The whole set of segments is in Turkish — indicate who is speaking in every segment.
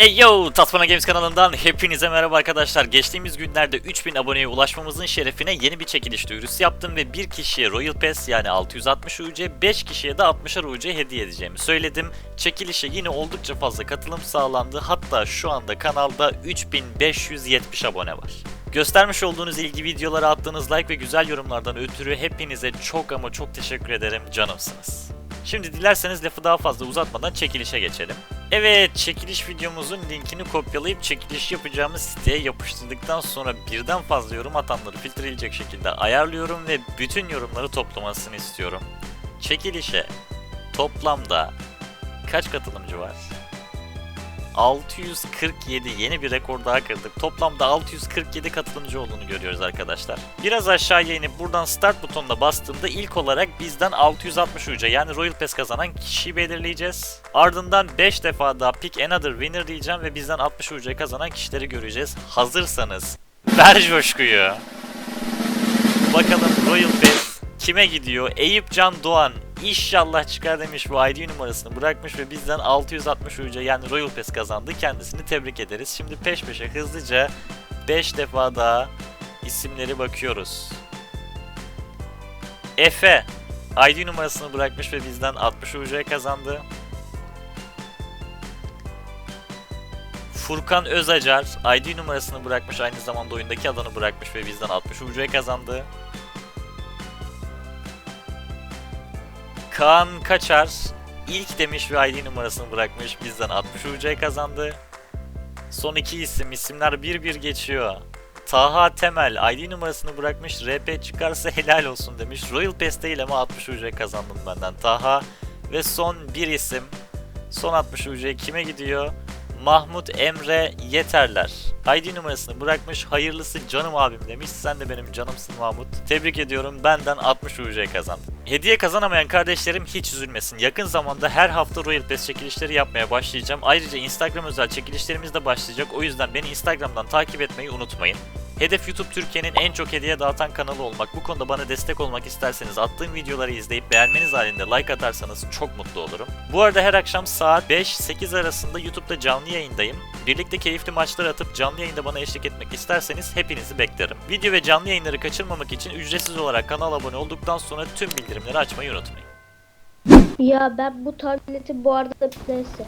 Speaker 1: Hey yo! Tatmana Games kanalından hepinize merhaba arkadaşlar. Geçtiğimiz günlerde 3000 aboneye ulaşmamızın şerefine yeni bir çekiliş duyurusu yaptım ve bir kişiye Royal Pass yani 660 UC, 5 kişiye de 60'ar UC hediye edeceğimi söyledim. Çekilişe yine oldukça fazla katılım sağlandı. Hatta şu anda kanalda 3570 abone var. Göstermiş olduğunuz ilgi, videolara attığınız like ve güzel yorumlardan ötürü hepinize çok ama çok teşekkür ederim, canımsınız. Şimdi dilerseniz lafı daha fazla uzatmadan çekilişe geçelim. Evet, çekiliş videomuzun linkini kopyalayıp çekiliş yapacağımız siteye yapıştırdıktan sonra birden fazla yorum atanları filtreleyecek şekilde ayarlıyorum ve bütün yorumları toplamasını istiyorum. Çekilişe toplamda kaç katılımcı var? 647, yeni bir rekor daha kırdık. Toplamda 647 katılımcı olduğunu görüyoruz arkadaşlar. Biraz aşağıya inip buradan start butonuna bastığımda ilk olarak bizden 660 UC yani Royal Pass kazanan kişiyi belirleyeceğiz. Ardından 5 defa daha Pick Another Winner diyeceğim ve bizden 60 UC kazanan kişileri göreceğiz. Hazırsanız ver coşkuyu. Bakalım Royal Pass kime gidiyor? Eyüp Can Doğan İnşallah çıkar demiş, bu ID numarasını bırakmış ve bizden 660 UC yani Royal Pass kazandı. Kendisini tebrik ederiz. Şimdi peş peşe hızlıca 5 defa daha isimleri bakıyoruz. Efe ID numarasını bırakmış ve bizden 60 UC kazandı. Furkan Özacar ID numarasını bırakmış, aynı zamanda oyundaki adını bırakmış ve bizden 60 UC kazandı. Kaan Kaçar ilk demiş ve ID numarasını bırakmış, bizden 60 UC kazandı. Son iki isimler bir bir geçiyor. Taha Temel ID numarasını bırakmış, RP çıkarsa helal olsun demiş. Royal Pass değil ama 60 UC kazandım benden Taha. Ve son bir isim, son 60 UC kime gidiyor? Mahmut Emre Yeterler ID numarasını bırakmış, hayırlısı canım abim demiş. Sen de benim canımsın Mahmut. Tebrik ediyorum, benden 60 UC kazandın. Hediye kazanamayan kardeşlerim hiç üzülmesin. Yakın zamanda her hafta Royal Pass çekilişleri yapmaya başlayacağım. Ayrıca Instagram özel çekilişlerimiz de başlayacak. O yüzden beni Instagram'dan takip etmeyi unutmayın. Hedef YouTube Türkiye'nin en çok hediye dağıtan kanalı olmak. Bu konuda bana destek olmak isterseniz attığım videoları izleyip beğenmeniz halinde like atarsanız çok mutlu olurum. Bu arada her akşam saat 5-8 arasında YouTube'da canlı yayındayım. Birlikte keyifli maçlar atıp canlı yayında bana eşlik etmek isterseniz hepinizi beklerim. Video ve canlı yayınları kaçırmamak için ücretsiz olarak kanala abone olduktan sonra tüm bildirimleri açmayı unutmayın.
Speaker 2: Ya ben bu tableti bu arada neyse.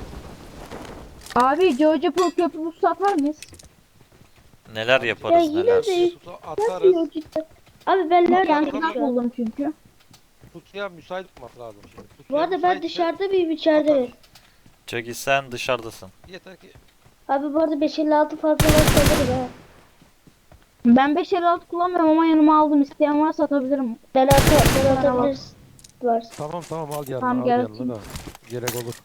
Speaker 3: Abi Georgia Pro köprü satar mıyız?
Speaker 1: Neler
Speaker 2: Ya
Speaker 1: yaparız
Speaker 2: yine
Speaker 1: neler.
Speaker 2: de
Speaker 4: Atarız.
Speaker 2: nasıl cidden? Abi ben
Speaker 3: Yani
Speaker 2: neredeyim
Speaker 3: ben
Speaker 2: şu an?
Speaker 3: buldum çünkü.
Speaker 4: Kutuya müsait olması lazım şimdi.
Speaker 2: Bu arada ben dışarıda mıyım içeride mi?
Speaker 1: Çünkü sen dışarıdasın.
Speaker 4: Yeter ki
Speaker 2: Abi bu arada 556 fazla var sanırım ha.
Speaker 3: Ben 556 kullanmıyorum ama yanıma aldım. İsteyen varsa atabilirim.
Speaker 2: Ben atabiliriz. Var.
Speaker 4: tamam al yanına,
Speaker 3: Tamam,
Speaker 4: al
Speaker 3: gel
Speaker 4: yanına da. Gerek olur.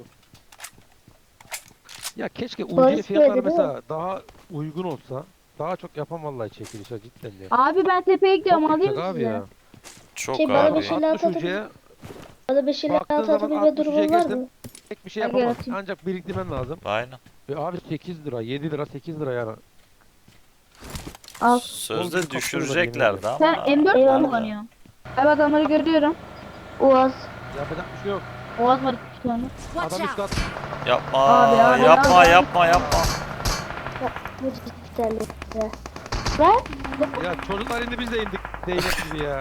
Speaker 4: Ya keşke
Speaker 2: Barış
Speaker 4: UC fiyatları
Speaker 2: söyledi,
Speaker 4: mesela daha uygun olsa. Daha çok yapam vallahi çekilişe cidden ya.
Speaker 3: Abi ben tepeye gidiyorum,
Speaker 4: Çok
Speaker 3: alayım
Speaker 4: yüksek
Speaker 3: mı
Speaker 4: abi
Speaker 3: size?
Speaker 4: ya.
Speaker 1: Çok
Speaker 2: Şey, bana
Speaker 1: abi.
Speaker 2: bir şey-
Speaker 4: 60
Speaker 2: atabilir-
Speaker 4: UC'ye
Speaker 2: Bana 556
Speaker 4: Baktığın zaman
Speaker 2: atabilme
Speaker 4: 60
Speaker 2: durumun var
Speaker 4: geçtim.
Speaker 2: mı?
Speaker 4: pek bir şey
Speaker 3: Hadi
Speaker 4: yapamazsın.
Speaker 3: yaratayım.
Speaker 4: Ancak biriktirmen lazım.
Speaker 1: Aynen.
Speaker 4: Abi 8 lira, 7 lira, 8 lira yani.
Speaker 3: Al.
Speaker 1: Sözde düşüreceklerdi ama.
Speaker 3: Sen M4 mü
Speaker 2: Eyvallah.
Speaker 3: kullanıyorsun? Abi adamları görüyorum.
Speaker 2: Uaz.
Speaker 4: Yapacak bir şey yok.
Speaker 3: Oğaz var 2 tane.
Speaker 4: Adam üst kat.
Speaker 1: Yapma,
Speaker 3: Abi,
Speaker 1: yapma,
Speaker 3: abi.
Speaker 1: yapma.
Speaker 2: Bu cidden ya. Ver.
Speaker 4: Ya çocuklar indi biz de indik. Zeynep gibi ya.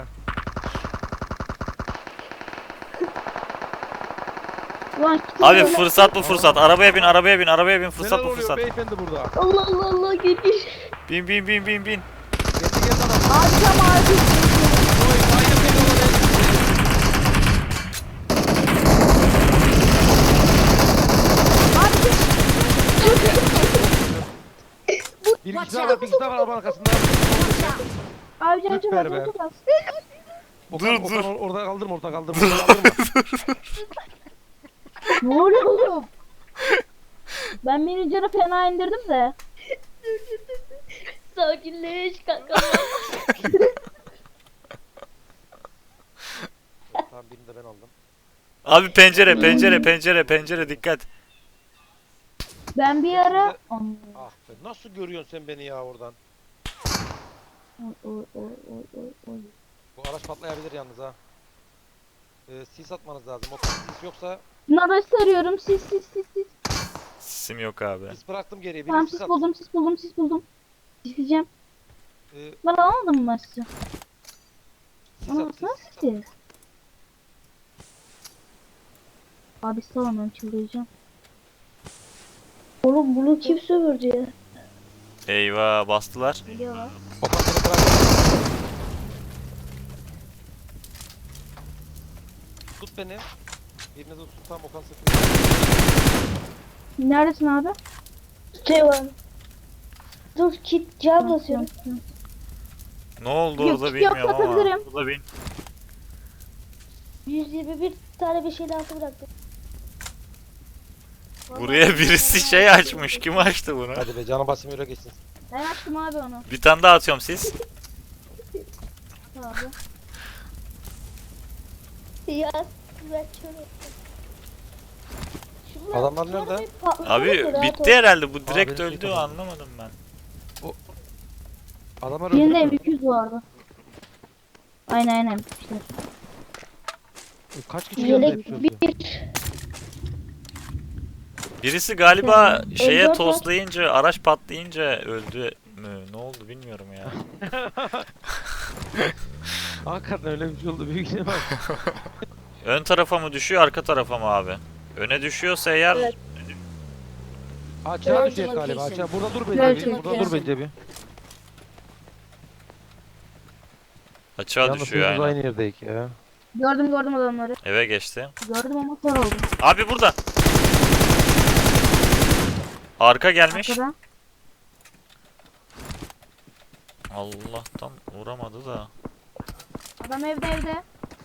Speaker 3: Ulan
Speaker 1: Abi fırsat bu fırsat. Arabaya bin, fırsat
Speaker 4: Neler
Speaker 1: bu
Speaker 4: oluyor
Speaker 1: fırsat.
Speaker 4: beyefendi burada?
Speaker 2: Allah Allah Allah gel.
Speaker 1: Bin.
Speaker 4: Geldi adam.
Speaker 3: Abi tam abi.
Speaker 4: Oy, manyak beni oraya. Bir kişi daha var, bir kişi daha var arabanın arkasında.
Speaker 3: Abi canım çok
Speaker 4: Süper
Speaker 3: az,
Speaker 4: be.
Speaker 3: çok az.
Speaker 4: Okan,
Speaker 1: Dur.
Speaker 4: Orada kaldırma, orada kaldırma.
Speaker 3: Ne oluyor oğlum? Ben manager'ı fena indirdim de.
Speaker 2: Sakinleş kanka.
Speaker 4: Tamam birini de ben aldım.
Speaker 1: Abi pencere dikkat.
Speaker 3: Ben bir ara...
Speaker 4: Ah be, nasıl görüyorsun sen beni ya oradan?
Speaker 3: Oy.
Speaker 4: Bu araç patlayabilir yalnız ha. Sis atmanız lazım. O sis yoksa
Speaker 3: Naraş sarıyorum. Sis.
Speaker 1: İsim yok abi.
Speaker 4: Sis bıraktım geriye.
Speaker 3: Tamam
Speaker 4: Benim
Speaker 3: sis
Speaker 4: sis
Speaker 3: buldum sis buldum sis buldum. Sisleyeceğim.
Speaker 4: Ee,
Speaker 3: Ben alamadım mı sizi?
Speaker 4: sis
Speaker 3: Aa
Speaker 4: at, sis,
Speaker 3: nasıl
Speaker 4: sis at.
Speaker 3: siz? Abi salamıyorum çıldıracağım.
Speaker 2: Oğlum bunu kim sömürdü ya?
Speaker 1: Eyvah bastılar.
Speaker 3: Geliyorlar.
Speaker 4: Okan seni bıraktım. Tut beni. Birini de tut tam Okan sıkıyor.
Speaker 3: Neredesin abi?
Speaker 2: Şey var. Dur kit cam basıyorum.
Speaker 1: Ne oldu
Speaker 3: Yok,
Speaker 1: orada
Speaker 3: yok,
Speaker 1: bilmiyorum ama.
Speaker 3: atabilirim.
Speaker 1: Burada bin.
Speaker 2: 121 tane bir şeyle altı bıraktım.
Speaker 1: Buraya birisi şey açmış. Kim açtı bunu?
Speaker 4: Hadi be canım basayım öyle geçsin.
Speaker 3: Ben açtım abi onu.
Speaker 1: Bir tane daha atıyorum siz.
Speaker 3: Abi.
Speaker 2: Ya ben şöyle.
Speaker 4: Adamlar nerede?
Speaker 1: Abi bitti herhalde. Bu direkt
Speaker 4: birisi
Speaker 1: öldü.
Speaker 4: kapalı.
Speaker 1: Anlamadım ben.
Speaker 4: Adamlar
Speaker 3: Birinde
Speaker 4: öldü.
Speaker 3: M200 vardı. Aynen işte.
Speaker 4: Kaç kişi geldi hepsi
Speaker 2: Yelek
Speaker 4: öldü.
Speaker 2: bir.
Speaker 1: Birisi galiba şeye
Speaker 2: M4 var.
Speaker 1: toslayınca, araç patlayınca öldü mü? Ne oldu bilmiyorum ya.
Speaker 4: Hakikaten öyle bir şey oldu büyük ihtimal.
Speaker 1: Ön tarafa mı düşüyor, arka tarafa mı abi? Öne düşüyorsa eğer
Speaker 2: Evet.
Speaker 4: Açığa
Speaker 2: Evet.
Speaker 4: düşecek galiba. Açığa. Burada dur
Speaker 3: Evet,
Speaker 4: bence bir. Burada dur bence bir.
Speaker 1: açığa
Speaker 4: Yalnız
Speaker 1: düşüyor
Speaker 4: hepimiz
Speaker 1: aynen.
Speaker 4: aynı yerdeyiz ya.
Speaker 3: Gördüm adamları.
Speaker 1: Eve geçti.
Speaker 3: Gördüm ama kör oldum.
Speaker 1: Abi burada. Arka gelmiş.
Speaker 3: Arkada.
Speaker 1: Allah'tan vuramadı da.
Speaker 3: Adam evde.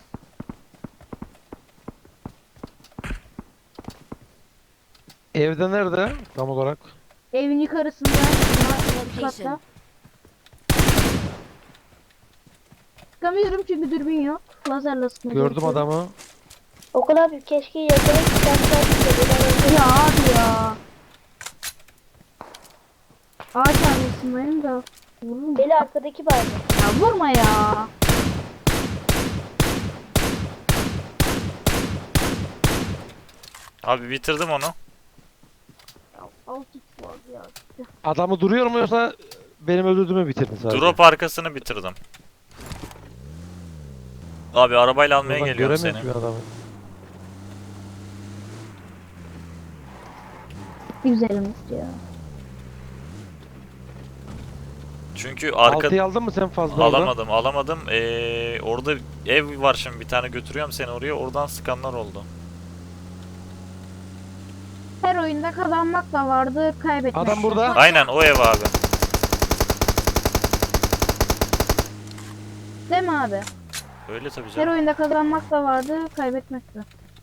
Speaker 4: Evde nerede? Tam olarak.
Speaker 3: Evin yukarısında. Üst katta. Çıkamıyorum çünkü dürbün yok. Lazerle sıkmaya
Speaker 4: Gördüm
Speaker 3: çalışıyorum.
Speaker 4: adamı.
Speaker 2: Okan abi keşke yakalayıp sen
Speaker 3: Ya abi ya. Ağaç arkasındayım da. Vururum.
Speaker 2: Beni arkadaki bağırdı.
Speaker 3: Ya vurma ya.
Speaker 1: Abi bitirdim onu.
Speaker 3: Alt x var ya.
Speaker 4: Adamı duruyor mu yoksa benim öldürdüğümü bitirdin sadece?
Speaker 1: Drop arkasını bitirdim. Abi arabayla almaya
Speaker 4: Buradan
Speaker 1: geliyorum
Speaker 4: göremiyorum
Speaker 1: seni.
Speaker 4: ki adamı.
Speaker 3: Güzelmiş ya.
Speaker 1: Çünkü arka...
Speaker 4: Altıyı aldın mı sen fazla orada?
Speaker 1: Alamadım. Orada ev var şimdi, bir tane götürüyorum seni oraya. Oradan sıkanlar oldu.
Speaker 3: Her oyunda kazanmak da vardı, kaybetmek
Speaker 4: Adam
Speaker 3: de.
Speaker 4: burada.
Speaker 1: Aynen o ev abi.
Speaker 3: Değil mi abi?
Speaker 1: Öyle tabii
Speaker 3: Her
Speaker 1: canım.
Speaker 3: oyunda kazanmak da vardı, kaybetmek de.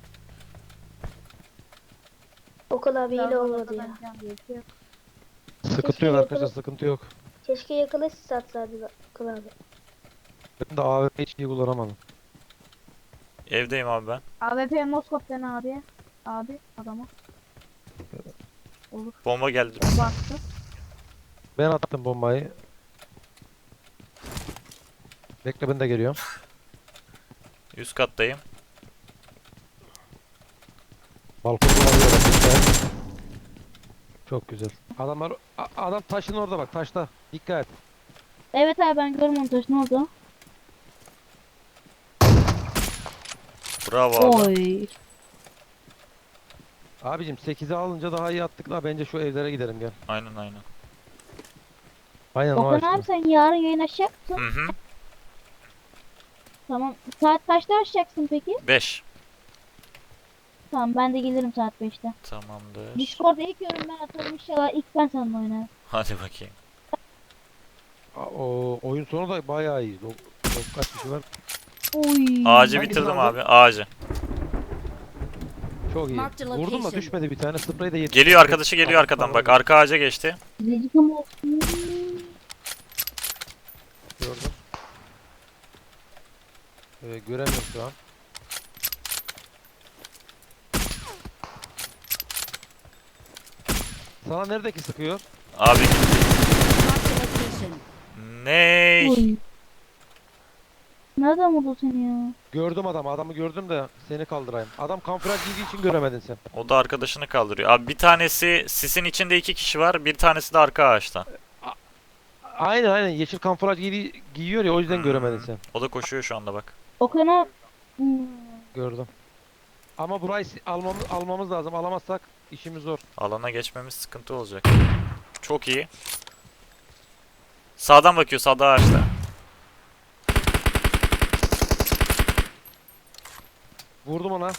Speaker 2: Okan abi yine olmadı ya.
Speaker 3: Kazanacağım diye bir şey yok.
Speaker 4: Sıkıntı yok arkadaşlar, sıkıntı yok.
Speaker 2: Keşke yakala siz atsaydın Okan abi.
Speaker 4: Ben de AWP hiç iyi kullanamadım.
Speaker 1: Evdeyim abi ben.
Speaker 3: AWP Moskop dene abi. Abi adama. Olur.
Speaker 1: Bomba geldi.
Speaker 3: Bastı.
Speaker 4: Ben attım bombayı. Bekle ben de geliyorum.
Speaker 1: Üst kattayım.
Speaker 4: Balkonda alıyorum. Güzel. Çok güzel. Adamlar adam taşın orada bak, taşta. Dikkat.
Speaker 3: Evet abi ben görüm montaj ne oldu?
Speaker 1: Bravo abi.
Speaker 3: Oy.
Speaker 4: Abicim 8'i alınca daha iyi attık da bence şu evlere gidelim gel.
Speaker 1: Aynen.
Speaker 4: Aynen o
Speaker 3: Okan
Speaker 4: açtı.
Speaker 3: abi sen yarın yayın açacak mısın?
Speaker 1: Hı hı.
Speaker 3: Tamam. Saat kaçta açacaksın peki?
Speaker 1: 5.
Speaker 3: Tamam ben de gelirim saat 5'te.
Speaker 1: Tamamdır.
Speaker 3: Discord'a ilk yorum ben atarım inşallah ilk ben seninle oynarım.
Speaker 1: Hadi bakayım.
Speaker 4: O oyun sonu da bayağı iyi. Kaç kişi var?
Speaker 3: Oy.
Speaker 1: Ağacı
Speaker 4: Hangisini
Speaker 1: bitirdim
Speaker 4: aldın?
Speaker 1: abi. Ağacı.
Speaker 4: Çok iyi.
Speaker 5: Marked a
Speaker 4: Vurdum da
Speaker 5: location.
Speaker 4: düşmedi bir tane. Sprey de yedi.
Speaker 1: Geliyor arkadaşı, geliyor arkadan. Bak arka ağaca geçti.
Speaker 3: Zecikam olsun.
Speaker 4: Gördüm. Göremiyorum şu an. Sana neredeki sıkıyor?
Speaker 1: Abi
Speaker 5: Marked a location.
Speaker 1: ney?
Speaker 3: Oy. Nereden vurdu seni ya?
Speaker 4: Gördüm adamı. Adamı gördüm de seni kaldırayım. Adam kamuflaj giydiği için göremedin sen.
Speaker 1: O da arkadaşını kaldırıyor. Abi bir tanesi sisin içinde 2 kişi var. Bir tanesi de arka ağaçta.
Speaker 4: Aynen yeşil kamuflaj giyiyor ya o yüzden göremedin sen.
Speaker 1: O da koşuyor şu anda bak.
Speaker 3: Okan'a
Speaker 4: Gördüm. Ama burayı almamız lazım. Alamazsak işimiz zor.
Speaker 1: Alana geçmemiz sıkıntı olacak. Çok iyi. Sağdan bakıyor. Sağda ağaçta.
Speaker 4: Vurdum ona.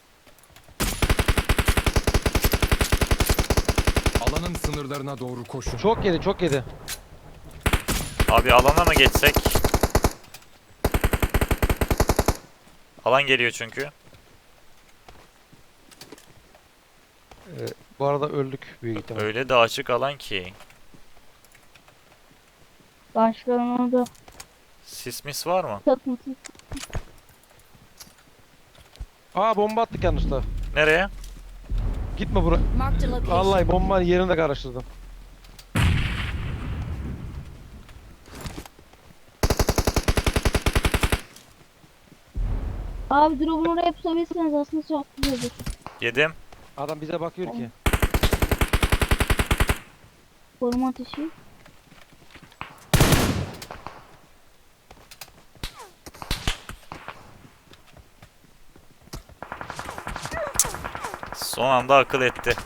Speaker 5: Alanın sınırlarına doğru koşun.
Speaker 4: Çok yedi çok yedi.
Speaker 1: Abi alana mı geçsek? Alan geliyor çünkü.
Speaker 4: Bu arada öldük büyük ihtimal.
Speaker 1: Öyle de açık alan ki.
Speaker 3: başkanın orada
Speaker 1: Sismis var mı?
Speaker 3: çatması.
Speaker 4: Aa bomba attık yanlışla.
Speaker 1: Nereye?
Speaker 4: Gitme buraya.
Speaker 6: Marked a location.
Speaker 4: Vallahi bombanın yerini de karıştırdım.
Speaker 3: Abi drop'un oraya pusabilirseniz aslında çok güzel olur.
Speaker 1: Yedim.
Speaker 4: Adam bize bakıyor ki.
Speaker 3: Koruma ateşi.
Speaker 1: Son anda akıl etti.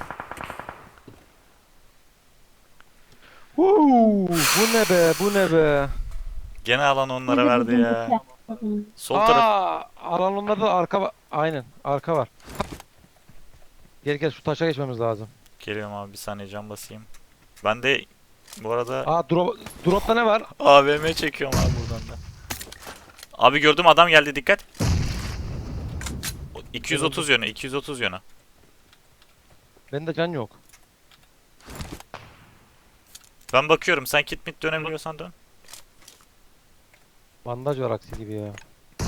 Speaker 4: Bu ne be bu ne be.
Speaker 1: Gene alan onlara verdi ya. Sol taraf.
Speaker 4: Alan onlarda da arka var. Aynen arka var. Gel şu taşa geçmemiz lazım.
Speaker 1: Geliyorum abi, bir saniye cam basayım. Ben de bu arada
Speaker 4: Dropta ne var?
Speaker 1: AVM çekiyorum abi buradan da. Abi gördüm, adam geldi, dikkat. 230 yönü, 230 yönü.
Speaker 4: Bende can yok.
Speaker 1: Ben bakıyorum, sen kit mit dönebiliyorsan dön.
Speaker 4: Bandaj var aksi gibi ya.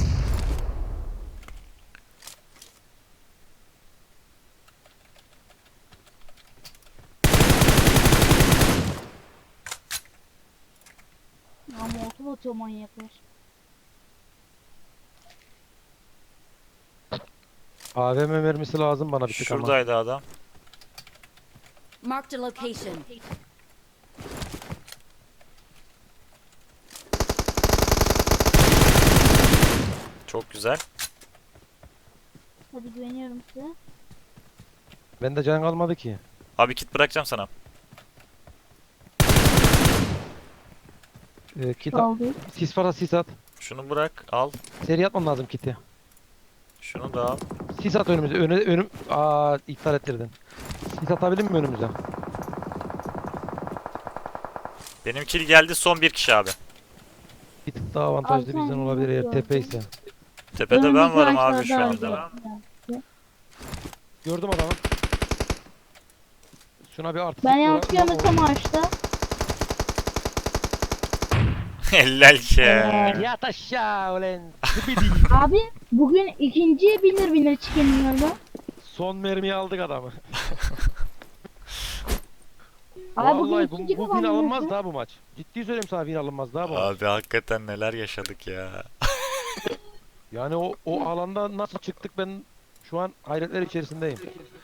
Speaker 3: Ya motor atıyor manyaklar.
Speaker 4: AVM mermisi lazım bana bir tık ama.
Speaker 1: Şuradaydı adam.
Speaker 6: Marked a location.
Speaker 1: Çok güzel.
Speaker 3: Hadi güveniyorum size.
Speaker 4: Bende can kalmadı ki.
Speaker 1: Abi kit bırakacağım sana.
Speaker 3: Kaldı.
Speaker 4: Sis varsa sis at.
Speaker 1: Şunu bırak, al.
Speaker 4: Seri atmam lazım kiti.
Speaker 1: Şunu da al.
Speaker 4: Sis at önümüze. İptal ettirdin. Sis atabilir mi önümüze?
Speaker 1: Benim kill geldi, son bir kişi abi.
Speaker 4: Bir tık daha avantajlı
Speaker 3: Abi sen
Speaker 4: bizden olabilir eğer
Speaker 3: yok
Speaker 4: tepe
Speaker 3: ya.
Speaker 4: ise.
Speaker 1: Tepede ben
Speaker 3: Önümüzdeki
Speaker 1: varım abi şu
Speaker 3: ağaçlarda
Speaker 1: anda.
Speaker 3: abi.
Speaker 4: Gördüm adamı. Şuna bir artı.
Speaker 3: Ben yanlış görmesem ağaçta.
Speaker 1: Helal ki.
Speaker 4: Yat aşağı ulan.
Speaker 3: Abi bugün ikinciye binir çıkayım yanına.
Speaker 4: Son mermiyi aldık adamı.
Speaker 3: Abi bugün
Speaker 4: Vallahi
Speaker 3: ikinci
Speaker 4: bu win
Speaker 3: kazandınız
Speaker 4: alınmaz
Speaker 3: ya.
Speaker 4: daha bu maç. Ciddi söyleyeyim sana win alınmaz daha bu maç.
Speaker 1: Abi hakikaten neler yaşadık ya.
Speaker 4: Yani o alanda nasıl çıktık ben şu an hayretler içerisindeyim.